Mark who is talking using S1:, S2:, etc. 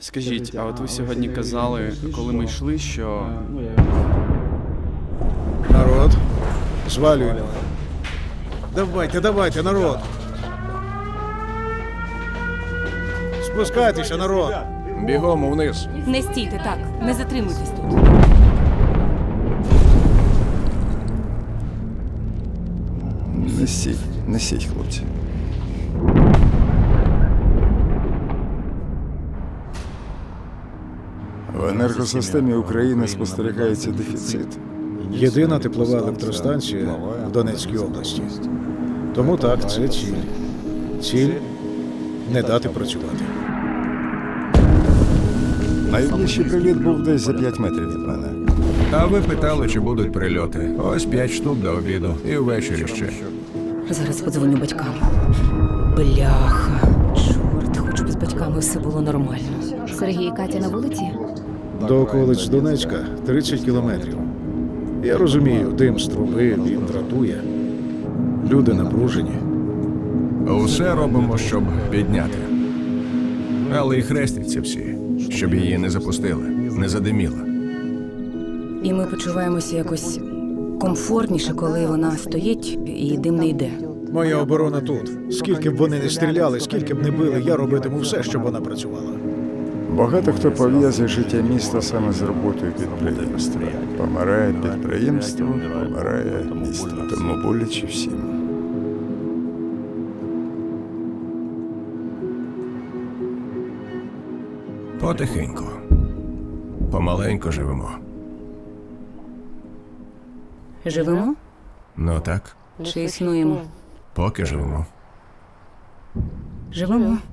S1: Скажіть, а от ви сьогодні казали, коли ми йшли, що
S2: Народ, звалюємо. Давайте, народ. Спускайтеся, народ.
S3: Бігом вниз.
S4: Не стійте так, не затримуйтесь тут.
S3: Несіть, хлопці. В енергосистемі України спостерігається дефіцит.
S2: Єдина теплова електростанція в Донецькій області. Тому так, це ціль. Ціль – не дати працювати.
S3: Найближчий приліт був десь за 5 метрів від мене.
S5: А ви питали, чи будуть прильоти? Ось 5 штук до обіду. І ввечері ще.
S4: Зараз подзвоню батькам. Бляха. Чорт, хоч би з батьками все було нормально.
S6: Сергій і Катя на вулиці?
S2: До околиць Донецька 30 кілометрів. Я розумію, дим з труби, він дратує. Люди напружені.
S5: Усе робимо, щоб підняти. Але і хрестяться всі, щоб її не запустили, не задиміла.
S4: І ми почуваємося якось комфортніше, коли вона стоїть і дим не йде.
S2: Моя оборона тут. Скільки б вони не стріляли, скільки б не били, я робитиму все, щоб вона працювала.
S3: Багато хто пов'язує життя міста саме з роботою підприємства. Помирає підприємство, помирає місто. Тому боляче всім.
S5: Потихеньку. Помаленьку живемо.
S4: Живемо
S5: Ну так,
S4: чи існуємо?
S5: поки живемо.
S4: Живемо.